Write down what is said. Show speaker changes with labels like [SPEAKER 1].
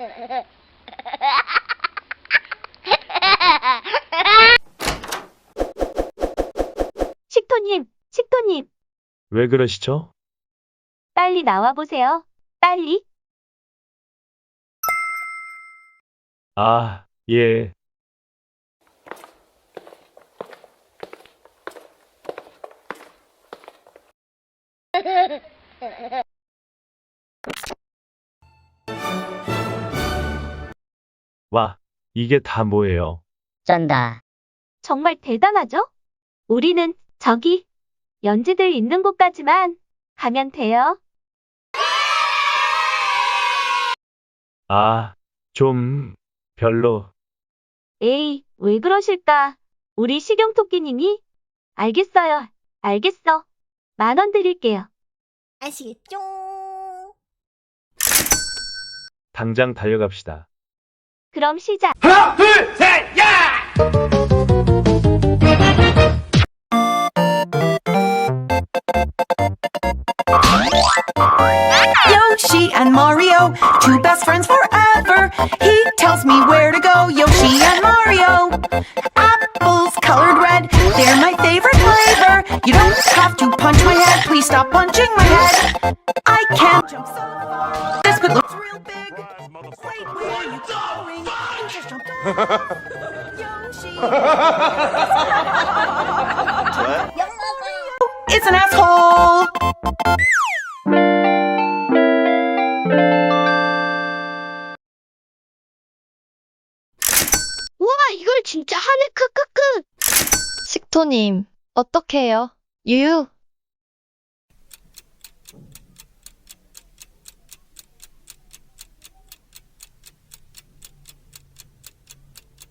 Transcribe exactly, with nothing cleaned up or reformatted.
[SPEAKER 1] 식토님, 식토님,
[SPEAKER 2] 왜 그러시죠?
[SPEAKER 1] 빨리 나와보세요. 빨리.
[SPEAKER 2] 아, 예. 와, 이게 다 뭐예요?
[SPEAKER 3] 쩐다.
[SPEAKER 1] 정말 대단하죠? 우리는 저기 연지들 있는 곳까지만 가면 돼요.
[SPEAKER 2] 아, 좀, 별로.
[SPEAKER 1] 에이, 왜 그러실까? 우리 식용토끼님이? 알겠어요. 알겠어. 만 원 드릴게요.
[SPEAKER 4] 아시겠죠?
[SPEAKER 2] 당장 달려갑시다.
[SPEAKER 1] 그럼 시작.
[SPEAKER 5] Yoshi and Mario, two best friends forever. He tells me where to go, Yoshi and Mario. Apples colored red, they're my favorite flavor. You don't have to punch my head, please stop punching my head. I can't jump so far. This could look real big. Wait, where are you going? You just jumped off. Yoshi. It's an asshole.
[SPEAKER 6] 우와, 이걸 진짜 하네, 크크크.
[SPEAKER 7] 식토님, 어떡해요? 유유.